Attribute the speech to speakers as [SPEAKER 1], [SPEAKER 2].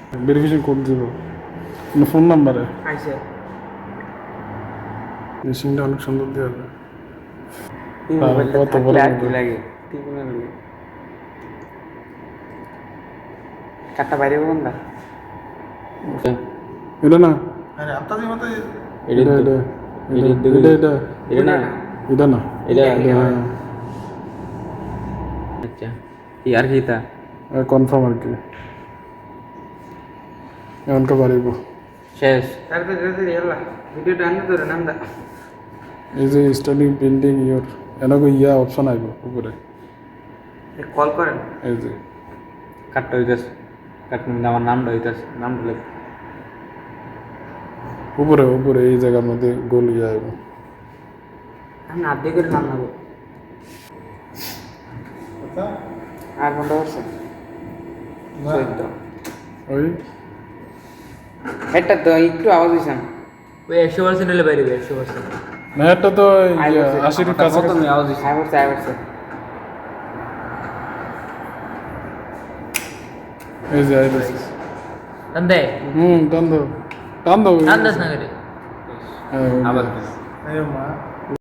[SPEAKER 1] Verification code দিব phone নাম্বারে।
[SPEAKER 2] আইসে
[SPEAKER 1] মেশিনটা অনেক সুন্দর দেওয়া যায়।
[SPEAKER 2] এই মোবাইলটা
[SPEAKER 1] কত বড়
[SPEAKER 2] থাকলে আর কি
[SPEAKER 1] মোবাইল।
[SPEAKER 2] লাগে টিপুনে লাগে কাটটা বাইরে কোনটা
[SPEAKER 1] এটা না
[SPEAKER 3] আরে আত্তাজি মতো
[SPEAKER 1] এটা এটা এটা এটা এটা
[SPEAKER 2] এটা না
[SPEAKER 1] এটা না
[SPEAKER 2] এটা
[SPEAKER 1] এটা
[SPEAKER 2] আচ্ছা ইয়ার কিতা
[SPEAKER 1] কনফার্ম আর কি এমনটা পারিব।
[SPEAKER 2] শেষ তারপরে এলা ভিডিওটা আনতে তোর নামটা
[SPEAKER 1] এই যে স্টার্টিং পেন্টিং ইয়োর এনকো ইয়া অপশন আইব উপরে
[SPEAKER 2] কল করেন
[SPEAKER 1] এই যে
[SPEAKER 2] কাটটা হইতাছে কাটন আমার নামটা হইতাছে নামটা লেখ
[SPEAKER 1] উপরে উপরে এই জায়গার মধ্যে গোল ইয়া আইব।
[SPEAKER 2] আমি আড্ডি করে নাম নেবো আর কোনটা হচ্ছে চৈদ্দ
[SPEAKER 1] ওই
[SPEAKER 2] এটা তো একটু আওয়াজ হয়েছে ওই 100% হলে বাইরে 100%
[SPEAKER 1] না এটা তো 80 এর কাছাকাছি।
[SPEAKER 2] আওয়াজ হয়েছে আইবছে
[SPEAKER 1] এই যে আইতেছে।
[SPEAKER 4] ತಂದೆ
[SPEAKER 1] টান দাও টান দাও
[SPEAKER 4] ನಾನು ದಸ್ ನಗರಿ
[SPEAKER 1] হ্যাঁ, ওই যে।
[SPEAKER 2] আবার
[SPEAKER 3] আরে মা